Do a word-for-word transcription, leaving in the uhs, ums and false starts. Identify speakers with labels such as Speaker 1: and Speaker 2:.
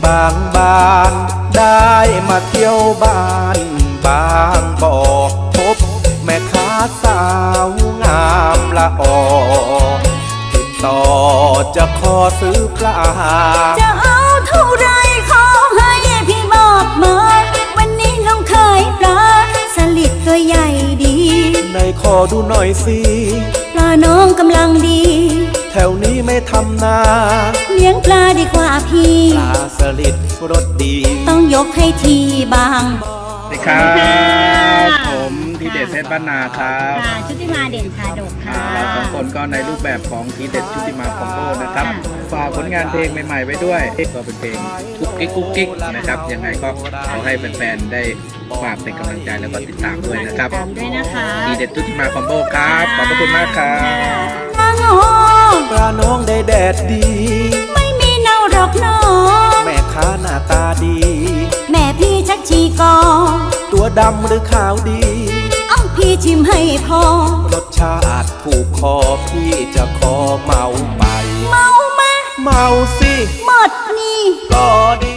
Speaker 1: บางบานได้มาเที่ยวบ้านบางบ่อพบแม่ค้าสาวงามละออติดต่อจะขอซื้อปลา
Speaker 2: จะเอาเท่าไรขอให้พี่บอกมาวันนี้น้องขายปลาสลิดตัวใหญ่ดี
Speaker 1: ในขอดูหน่อยสิ
Speaker 2: ปลาน้องกำลังดี
Speaker 1: แถวนี้ไม่ทำนา
Speaker 2: เลี้ยงปลาดีกว่าพี่
Speaker 1: ปลาสลิดรสดี
Speaker 2: ต้องยกให้ทีบางบ่อ
Speaker 3: สวัสดีครับผมทีเด็ดเพชรบ้านนาครับ
Speaker 2: ชุติมาเด่นชาดกค่ะ
Speaker 3: เราสองคนก็ในรูปแบบของทีเด็ดชุติมาคอมโบนะครับฝากผลงานเพลงใหม่ๆไว้ด้วยก็เป็นเพลงกุ๊กกิ๊กกุ๊กกิ๊กนะครับยังไงก็ขอให้แฟนๆได้ฝากเป็นกำลังใจแล้วก็ติดตามด้วยนะครับ
Speaker 2: ตามด้วยนะคะ
Speaker 3: ทีเด็ดชุติมาคอมโบครับขอบพระคุณมากครับ
Speaker 2: ปลาโง่
Speaker 1: ปลาน้องได้แดดดี
Speaker 2: ไม่มีเน่าหรอกน้อง
Speaker 1: แม่ค้าหน้าตาดี
Speaker 2: แม่พี่ชักชีกอ
Speaker 1: ตัวดำหรือขาวดี
Speaker 2: อ้อพี่ชิมให้พอ
Speaker 1: รสชาติถูกคอพี่จะขอเมาไป
Speaker 2: เมามา
Speaker 1: เมาสิ
Speaker 2: หมดนี่
Speaker 1: ก็ดี